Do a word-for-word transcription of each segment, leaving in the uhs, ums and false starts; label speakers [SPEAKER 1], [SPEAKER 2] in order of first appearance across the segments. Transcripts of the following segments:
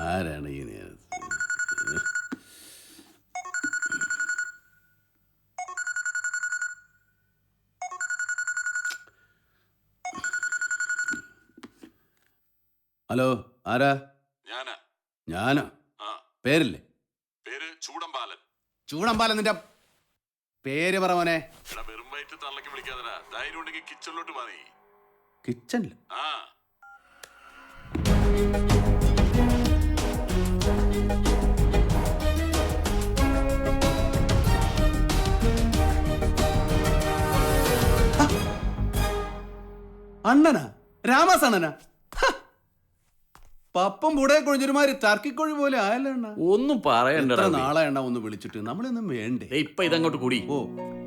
[SPEAKER 1] ആരാണ് ഈ നേരത്ത്? ഹലോ, ആരാ?
[SPEAKER 2] ഞാനാ.
[SPEAKER 1] ഞാനോ?
[SPEAKER 2] ആ.
[SPEAKER 1] പേരില്ലേ?
[SPEAKER 2] പേര് ചൂടമ്പാലൻ.
[SPEAKER 1] ചൂടമ്പാലൻ നിന്റെ പേര് പറ മോനെ.
[SPEAKER 2] എടാ, വെറും വയറ്റ് തള്ളക്ക് വിളിക്കാതടാ. ധൈര്യം ഉണ്ടെങ്കിൽ കിച്ചണിലോട്ട് മാറി.
[SPEAKER 1] കിച്ചണില്?
[SPEAKER 2] ആ.
[SPEAKER 1] അണ്ണനാ? രാമാസ് അണ്ണനാ? പപ്പം കൂടെ കൊഴിഞ്ഞൊരുമാതിരി ടർക്കിക്കൊഴി പോലെ ആയല്ലോ അണ്ണ.
[SPEAKER 3] ഒന്നും പറയണ്ട.
[SPEAKER 1] എത്ര നാളെ എണ്ണ ഒന്ന് വിളിച്ചിട്ട് നമ്മളൊന്നും വേണ്ടേ?
[SPEAKER 3] ഇപ്പൊ ഇതങ്ങോട്ട് കൂടി.
[SPEAKER 1] ഓ,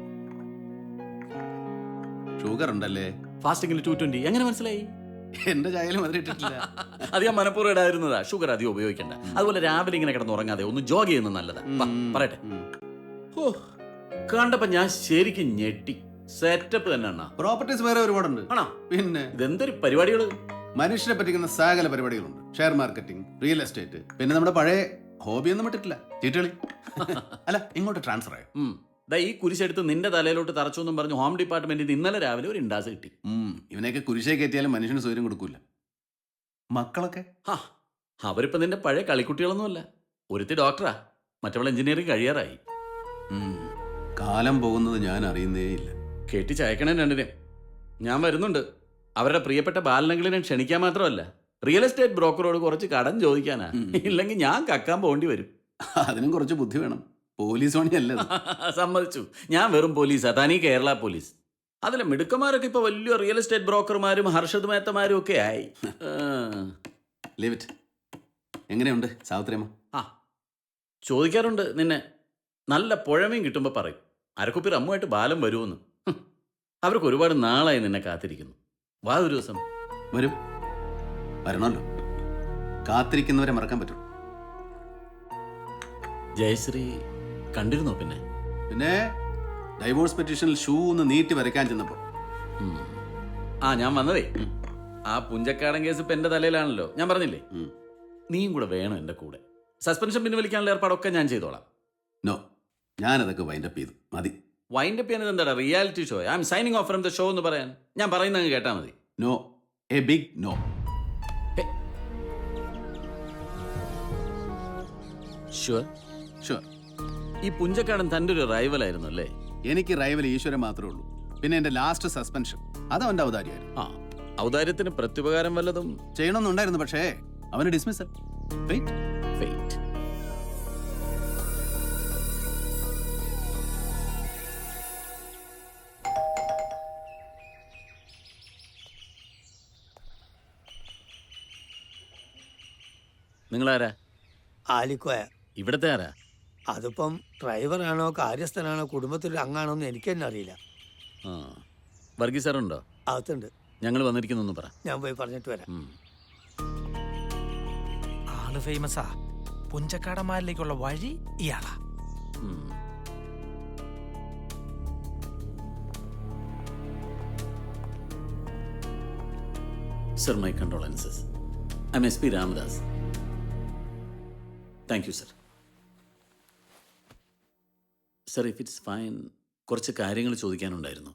[SPEAKER 1] ഷുഗർ ഉണ്ടല്ലേ?
[SPEAKER 3] ഫാസ്റ്റിംഗിൽ ടു ട്വന്റി. എങ്ങനെ മനസ്സിലായി?
[SPEAKER 1] എന്റെ ചായയിൽ മധുരിട്ടിട്ടില്ല.
[SPEAKER 3] അത് ഞാൻ മനഃപൂർവ്വം ഇടായിരുന്നതാ. ഷുഗർ അധികം ഉപയോഗിക്കണ്ട. അതുപോലെ രാവിലെ ഇങ്ങനെ കിടന്ന് ഉറങ്ങാതെ ഒന്ന് ജോഗ് ചെയ്യുന്നത് നല്ലതാ. വാ, പറയട്ടെ. ഓ, കണ്ടപ്പോ ഞാൻ ശരിക്കും ഞെട്ടി. സെറ്റപ്പ് തന്നെ അണ്ണാ.
[SPEAKER 1] പ്രോപ്പർട്ടീസ് വേറെ ഒരുപാടുണ്ട്.
[SPEAKER 3] ആണോ?
[SPEAKER 1] പിന്നെ
[SPEAKER 3] ഇതെന്തൊരു പരിപാടികള്.
[SPEAKER 1] മനുഷ്യരെ പറ്റിക്കുന്ന സകല പരിപാടികളുണ്ട്. ഷെയർ മാർക്കറ്റിംഗ്, റിയൽ എസ്റ്റേറ്റ്, പിന്നെ നമ്മുടെ പഴയ ഹോബി ഒന്നും വിട്ടിട്ടില്ല, ചീട്ടുകളി. അല്ല, ഇങ്ങോട്ട് ട്രാൻസ്ഫർ ആയോ?
[SPEAKER 3] ദാ ഈ കുരിശെടുത്ത് നിന്റെ തലയിലോട്ട് തറച്ചു എന്നും പറഞ്ഞു ഹോം ഡിപ്പാർട്ട്മെന്റിൽ ഇന്നലെ രാവിലെ ഒരു ഇൻഡാസ് കിട്ടി.
[SPEAKER 1] ഇവനെയൊക്കെ കുരിശേ കയറ്റിയാലും മനുഷ്യന് സൗകര്യം കൊടുക്കൂല. മക്കളൊക്കെ
[SPEAKER 3] അവരിപ്പോ നിന്റെ പഴയ കളിക്കുട്ടികളൊന്നുമല്ല. ഒരുത്തി ഡോക്ടറാ, മറ്റവൾ എഞ്ചിനീയറിംഗ് കഴിയാറായി.
[SPEAKER 1] കാലം പോകുന്നത് ഞാൻ അറിയുന്നേ ഇല്ല.
[SPEAKER 3] കെട്ടി ചയക്കണേ രണ്ടിനെ. ഞാൻ വരുന്നുണ്ട്. അവരുടെ പ്രിയപ്പെട്ട ബാലനങ്ങളിനെ ക്ഷണിക്കാൻ മാത്രമല്ല, റിയൽ എസ്റ്റേറ്റ് ബ്രോക്കറോട് കുറച്ച് കടം ചോദിക്കാനാ. ഇല്ലെങ്കിൽ ഞാൻ കക്കാൻ പോകേണ്ടി വരും.
[SPEAKER 1] അതിനും കുറച്ച് ബുദ്ധി വേണം. പോലീസ് പണിയല്ല.
[SPEAKER 3] സമ്മതിച്ചു, ഞാൻ വെറും പോലീസാ, തനി കേരള പോലീസ്. അതിലെ മിടുക്കന്മാരൊക്കെ ഇപ്പൊ വലിയ റിയൽ എസ്റ്റേറ്റ് ബ്രോക്കർമാരും ഹർഷദ് മേത്തമാരും ഒക്കെ ആയി.
[SPEAKER 1] എങ്ങനെയുണ്ട് സാവിത്രിയമ്മ?
[SPEAKER 3] ആ, ചോദിക്കാറുണ്ട് നിന്നെ. നല്ല പുഴമീൻ കിട്ടുമ്പോ പറയും അരക്കുപ്പി റമ്മുമായിട്ട് ബാലം വരുമെന്ന്. അവർക്ക് ഒരുപാട് നാളായി നിന്നെ കാത്തിരിക്കുന്നു. വാ ഒരു ദിവസം.
[SPEAKER 1] വരും, വരണമല്ലോ. കാത്തിരിക്കുന്നവരെ മറക്കാൻ പറ്റും.
[SPEAKER 3] ജയശ്രീ കണ്ടിരുന്നോ? പിന്നെ
[SPEAKER 1] പിന്നെ ഡൈവോഴ്സ് പെറ്റീഷനിൽ ഷൂ ഒന്ന് നീട്ടി വരയ്ക്കാൻ ചെന്നപ്പോ
[SPEAKER 3] ആ ഞാൻ വന്നതേ, ആ പുഞ്ചക്കാടൻ കേസ് ഇപ്പൊ എന്റെ തലയിലാണല്ലോ. ഞാൻ പറഞ്ഞില്ലേ, നീയും കൂടെ വേണം എന്റെ കൂടെ. സസ്പെൻഷൻ പിൻവലിക്കാനുള്ള ഏർപ്പാടൊക്കെ ഞാൻ ചെയ്തോളാം.
[SPEAKER 1] നോ, ഞാനതൊക്കെ വൈൻഡപ്പ് ചെയ്തു. മതി.
[SPEAKER 3] വൈൻഡപ്പ് ചെയ്യാൻ എന്താ? Reality show. I'm signing off from the show എന്ന് പറയാൻ ഞാൻ പറയുന്നത് കേട്ടാ മതി.
[SPEAKER 1] No, a big no.
[SPEAKER 3] Sure?
[SPEAKER 1] Sure.
[SPEAKER 3] ഈ പുഞ്ചക്കാടൻ തന്റെ ഒരു റൈവലായിരുന്നു അല്ലേ?
[SPEAKER 1] എനിക്ക് റൈവൽ ഈശ്വരൻ മാത്രമേ ഉള്ളൂ. പിന്നെ എന്റെ ലാസ്റ്റ് സസ്പെൻഷൻ അത് അവന്റെ ഔദാര്യമായിരുന്നു.
[SPEAKER 3] ആ, ഔദാര്യത്തിന് പ്രത്യുപകാരം വല്ലതും
[SPEAKER 1] ചെയ്യണമെന്നുണ്ടായിരുന്നു, പക്ഷേ അവന് ഡിസ്മിസൽ. ഫെയ്റ്റ്.
[SPEAKER 3] ഫെയ്റ്റ്. നിങ്ങളാരാ?
[SPEAKER 4] ആലിക്കോയ.
[SPEAKER 3] ഇവിടത്തെ ആരാ?
[SPEAKER 4] അതിപ്പം ഡ്രൈവറാണോ കാര്യസ്ഥനാണോ കുടുംബത്തിലൊരു അംഗാണോ എന്ന് എനിക്ക് തന്നെ അറിയില്ല.
[SPEAKER 3] ആ, വർഗീസ് സാറുണ്ടോ?
[SPEAKER 4] അകത്തുണ്ട്.
[SPEAKER 3] ഞങ്ങൾ വന്നിരിക്കുന്നു പറ.
[SPEAKER 4] ഞാൻ പോയി പറഞ്ഞിട്ട് വരാം.
[SPEAKER 5] ആള് ഫേമസാ. പുഞ്ചക്കാടന്മാരിലേക്കുള്ള വഴി ഇയാളാ.
[SPEAKER 3] Sir, my condolences. I'm S P Ramadas. Thank you sir. Sir, if it's fine, കുറച്ച് കാര്യങ്ങൾ ചോദിക്കാനുണ്ടായിരുന്നു.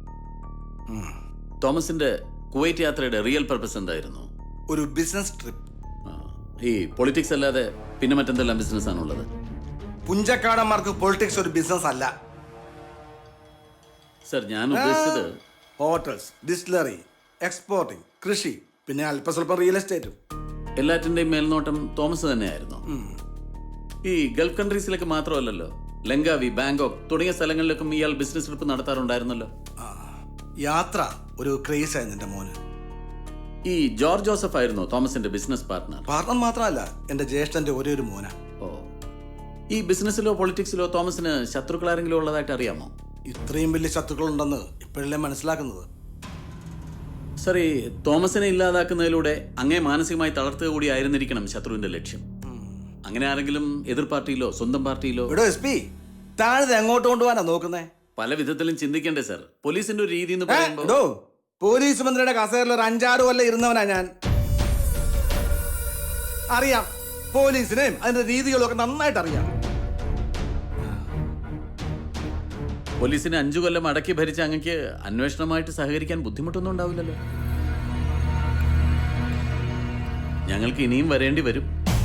[SPEAKER 3] തോമസിന്റെ കുവൈറ്റ് യാത്രയുടെ റിയൽ പർപ്പസ് എന്തായിരുന്നു?
[SPEAKER 6] ഒരു ബിസിനസ് ട്രിപ്പ്.
[SPEAKER 3] ഈ പൊളിറ്റിക്സ് അല്ലാതെ പിന്നെ മറ്റെന്തെല്ലാം ബിസിനസ് ആണുള്ളത്?
[SPEAKER 6] പുഞ്ചക്കാടന്മാർക്ക് പൊളിറ്റിക്സ് ഒരു ബിസിനസ് അല്ല.
[SPEAKER 3] സർ, ഞാൻ ഉദ്ദേശിച്ചത്
[SPEAKER 6] ഹോട്ടൽസ്, ഡിസ്റ്റിലറി, എക്സ്പോർട്ടിംഗ്, കൃഷി, പിന്നെ അല്പസ്വല്പം റിയൽ എസ്റ്റേറ്റും.
[SPEAKER 3] എല്ലാറ്റിന്റെയും മേൽനോട്ടം തോമസ് തന്നെയായിരുന്നു. ഈ ഗൾഫ് കൺട്രീസിലേക്ക് മാത്രമല്ലല്ലോ, ലങ്കാവി, ബാങ്കോക്ക് തുടങ്ങിയ സ്ഥലങ്ങളിലേക്കും ഇയാൾ ബിസിനസ് ട്രിപ്പ് നടത്താറുണ്ടായിരുന്നല്ലോ.
[SPEAKER 6] യാത്ര ഒരു ക്രേസ് ആയിരുന്നു എന്റെ മോന്.
[SPEAKER 3] ഈ ജോർജ് ജോസഫ് ആയിരുന്നു തോമസിന്റെ ബിസിനസ് പാർട്ട്ണർ.
[SPEAKER 6] പാർട്ണർ മാത്രമല്ല, എന്റെ ജ്യേഷ്ഠന്റെ ഒരേ ഒരു മോന.
[SPEAKER 3] ഓ, ഈ ബിസിനസ്സിലോ പൊളിറ്റിക്സിലോ തോമസിന് ശത്രുക്കൾ ആരെങ്കിലും ഉള്ളതായിട്ട് അറിയാമോ?
[SPEAKER 6] ഇത്രയും വലിയ ശത്രുക്കളുണ്ടെന്ന് ഇപ്പോഴല്ലേ മനസ്സിലാക്കുന്നത്.
[SPEAKER 3] സർ, ഈ തോമസിനെ ഇല്ലാതാക്കുന്നതിലൂടെ അങ്ങേ മാനസികമായി തളർത്തുക കൂടി ആയിരുന്നിരിക്കണം ശത്രുവിന്റെ ലക്ഷ്യം. അങ്ങനെ ആരെങ്കിലും എതിർ പാർട്ടിയിലോ സ്വന്തം പാർട്ടിയിലോ?
[SPEAKER 6] ഇവിടെ എസ് പി താഴെ എങ്ങോട്ട് കൊണ്ടുപോകാനാ നോക്കുന്നേ?
[SPEAKER 3] പല വിധത്തിലും ചിന്തിക്കണ്ടേ സർ? പോലീസിന്റെ ഒരു രീതി എന്ന് പറയുമ്പോൾ
[SPEAKER 6] പോലീസ് മന്ത്രിയുടെ കസേരയിൽ ഒരു അഞ്ചാറ് കൊല്ലം ഇരുന്നവനാ ഞാൻ. അറിയാം പോലീസിനെയും അതിന്റെ രീതികളും ഒക്കെ നന്നായിട്ട് അറിയാം.
[SPEAKER 3] പോലീസിനെ അഞ്ചു കൊല്ലം അടക്കി ഭരിച്ച അങ്ങക്ക് അന്വേഷണമായിട്ട് സഹകരിക്കാൻ ബുദ്ധിമുട്ടൊന്നും ഉണ്ടാവില്ലല്ലോ. ഞങ്ങൾക്ക് ഇനിയും വരേണ്ടി വരും.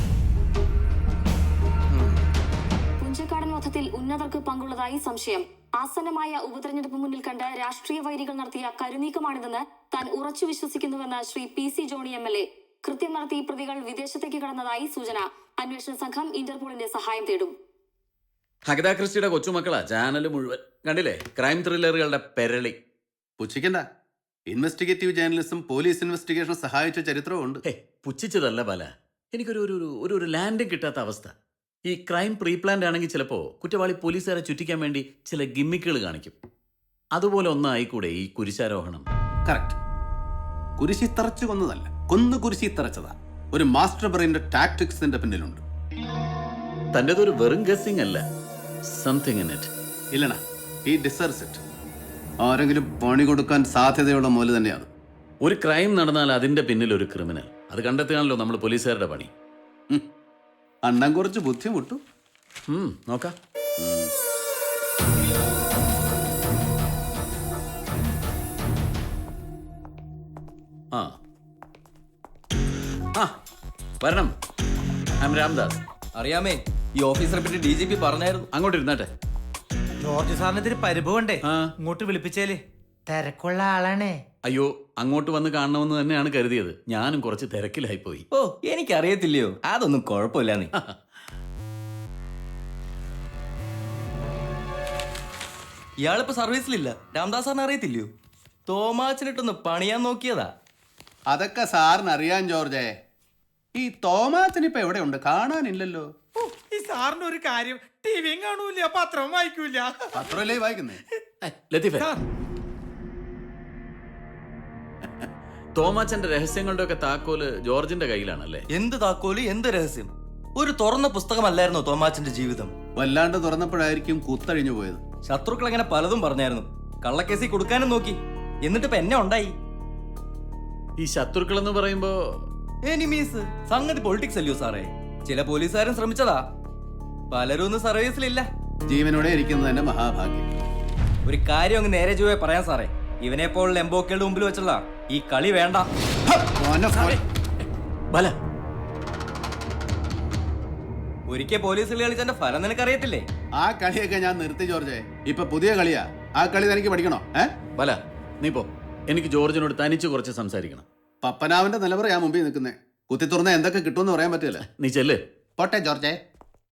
[SPEAKER 7] പുഞ്ചക്കാടൻ വധത്തിൽ ഉന്നതർക്ക് പങ്കുള്ളതായി സംശയം. ആസന്നമായ ഉപതെരഞ്ഞെടുപ്പ് മുന്നിൽ കണ്ട് രാഷ്ട്രീയ വൈരികൾ നടത്തിയ കരുനീക്കമാണിതെന്ന് താൻ ഉറച്ചു വിശ്വസിക്കുന്നുവെന്ന് Shri P C Johny M L A. കൃത്യം നടത്തി പ്രതികൾ വിദേശത്തേക്ക് കടന്നതായി സൂചന. അന്വേഷണ സംഘം ഇന്റർപോളിന്റെ സഹായം തേടും.
[SPEAKER 3] അഗത ക്രിസ്റ്റിയുടെ കൊച്ചുമക്കളാ ചാനൽ മുഴുവൻ. കണ്ടില്ലേ ക്രൈം ത്രില്ലറുകളുടെ പെരളി.
[SPEAKER 1] പുച്ഛിക്കണ്ട. ഇൻവെസ്റ്റിഗേറ്റീവ് ജേർണലിസം പോലീസ് ഇൻവെസ്റ്റിഗേഷൻ സഹായിച്ച ചരിത്രമുണ്ട്.
[SPEAKER 3] ഹേ പുച്ഛിച്ചതല്ല ബാല, എനിക്കൊരു ഒരു ഒരു ഒരു ഒരു ലാൻഡിങ് കിട്ടാത്ത അവസ്ഥ. ഈ ക്രൈം പ്രീ പ്ലാൻഡ് ആണെങ്കിൽ ചിലപ്പോൾ കുറ്റവാളി പോലീസുകാരെ ചുറ്റിക്കാൻ വേണ്ടി ചില ഗിമ്മിക്കുകൾ കാണിക്കും. അതുപോലെ ഒന്നായിക്കൂടെ ഈ കുരിശാരോഹണം?
[SPEAKER 1] കറക്റ്റ്. കുരിശി തറച്ചു കൊന്നതല്ല, കൊന്നു കുരിശി തറച്ചതാ. ഒരു മാസ്റ്റർ ബ്രെയിന്റെ ടാക്ടിക്സിന്റെ പിന്നിലുണ്ട്.
[SPEAKER 3] തൻ്റെതൊരു വെറും ഗസ്സിംഗ് അല്ല, സംതിങ് ഇൻ ഇറ്റ്.
[SPEAKER 1] ഇല്ലണ, ഈ ഡിസേർവ്സ് ഇറ്റ്. ആരെങ്കിലും പണി കൊടുക്കാൻ സാധ്യതയുള്ള മൂല തന്നെയാണ്.
[SPEAKER 3] ഒരു ക്രൈം നടന്നാൽ അതിന്റെ പിന്നിൽ ഒരു ക്രിമിനൽ. അത് കണ്ടെത്തുകയാണല്ലോ നമ്മൾ പോലീസുകാരുടെ പണി.
[SPEAKER 1] അണ്ണൻ കുറച്ച് ബുദ്ധിമുട്ടു.
[SPEAKER 3] ഉം, നോക്കാം. ആ ആ വരണം. I M Ramdas.
[SPEAKER 8] അറിയാമേ, ഈ ഓഫീസറെ പറ്റി ഡി ജി പി പറഞ്ഞായിരുന്നു.
[SPEAKER 3] അങ്ങോട്ട് ഇരുന്നാട്ടെ.
[SPEAKER 5] ജോർജ് സാറിന് ഇതിന് പരിഭവണ്ടേ?
[SPEAKER 3] ആ.
[SPEAKER 5] ഇങ്ങോട്ട് വിളിപ്പിച്ചേല്. തിരക്കുള്ള ആളാണേ.
[SPEAKER 3] അയ്യോ, അങ്ങോട്ട് വന്ന് കാണണമെന്ന് തന്നെയാണ് കരുതിയത്. ഞാനും കുറച്ച് തിരക്കിലായി പോയി.
[SPEAKER 8] ഓ, എനിക്കറിയത്തില്ലയോ, അതൊന്നും കുഴപ്പമില്ല. നീ ഇയാളിപ്പോ സർവീസിലില്ല. രാംദാസ് സാറിന് അറിയത്തില്ലയോ? തോമാച്ചനിട്ടൊന്ന് പണിയാൻ നോക്കിയതാ.
[SPEAKER 1] അതൊക്കെ സാറിന് അറിയാൻ ജോർജേ. ഈ തോമാച്ചനിപ്പോ എവിടെയുണ്ട്? കാണാനില്ലല്ലോ.
[SPEAKER 5] ഈ സാറിന് ഒരു കാര്യം, ടിവിയും കാണൂല, പത്രവും വായിക്കൂല.
[SPEAKER 1] പത്രമല്ലേ വായിക്കുന്നേ?
[SPEAKER 3] ലത്തീഫേ, തോമാച്ചന്റെ രഹസ്യങ്ങളുടെ ഒക്കെ താക്കോല് ജോർജിന്റെ കയ്യിലാണല്ലേ?
[SPEAKER 8] എന്ത് താക്കോല്, എന്ത് രഹസ്യം? ഒരു തുറന്ന പുസ്തകമല്ലായിരുന്നോ തോമാച്ചന്റെ ജീവിതം?
[SPEAKER 1] വല്ലാണ്ട് തുറന്നപ്പോഴായിരിക്കും കുത്തഴിഞ്ഞു പോയത്.
[SPEAKER 8] ശത്രുക്കൾ അങ്ങനെ പലതും പറഞ്ഞായിരുന്നു. കള്ളക്കേസി കൊടുക്കാനും നോക്കി. എന്നിട്ട് ഇപ്പൊ എന്നെ ഉണ്ടായി.
[SPEAKER 3] ഈ ശത്രുക്കൾ എന്ന് പറയുമ്പോ
[SPEAKER 8] എനിമീസ്. സംഗതി പൊളിറ്റിക്സ് അല്ലയോ സാറേ? ചില പോലീസുകാരും ശ്രമിച്ചതാ. പലരും ഒന്നും സർവീസിലില്ല.
[SPEAKER 1] ജീവനോടെ ഇരിക്കുന്നത് തന്നെ മഹാഭാഗ്യം.
[SPEAKER 8] ഒരു കാര്യം അങ്ങ് നേരെ ചൊവ്വേ പറയാൻ സാറേ. ഇവനെ പോലുള്ള എംബോക്കയുടെ മുമ്പിൽ വെച്ചുള്ള ഈ കളി വേണ്ട.
[SPEAKER 3] ബല,
[SPEAKER 8] ഒരിക്കൽ പോലീസിൽ കളിച്ചതിന്റെ ഫലം നിനക്കറിയത്തില്ലേ?
[SPEAKER 1] ആ കളിയൊക്കെ ഞാൻ നിർത്തി ജോർജേ. ഇപ്പൊ പുതിയ കളിയാ. ആ കളി തനിക്ക് പഠിക്കണോ? ഏ
[SPEAKER 3] ബല, നീ പോ. എനിക്ക് ജോർജിനോട് തനിച്ച് കുറച്ച് സംസാരിക്കണം.
[SPEAKER 1] പപ്പനാവിന്റെ നിലവറ ഞാൻ മുമ്പിൽ നിൽക്കുന്നേ. കുത്തി തുറന്ന എന്തൊക്കെ കിട്ടുമെന്ന് പറയാൻ പറ്റില്ല.
[SPEAKER 3] നീ ചെല്ല്.
[SPEAKER 1] പോട്ടെ ജോർജേ.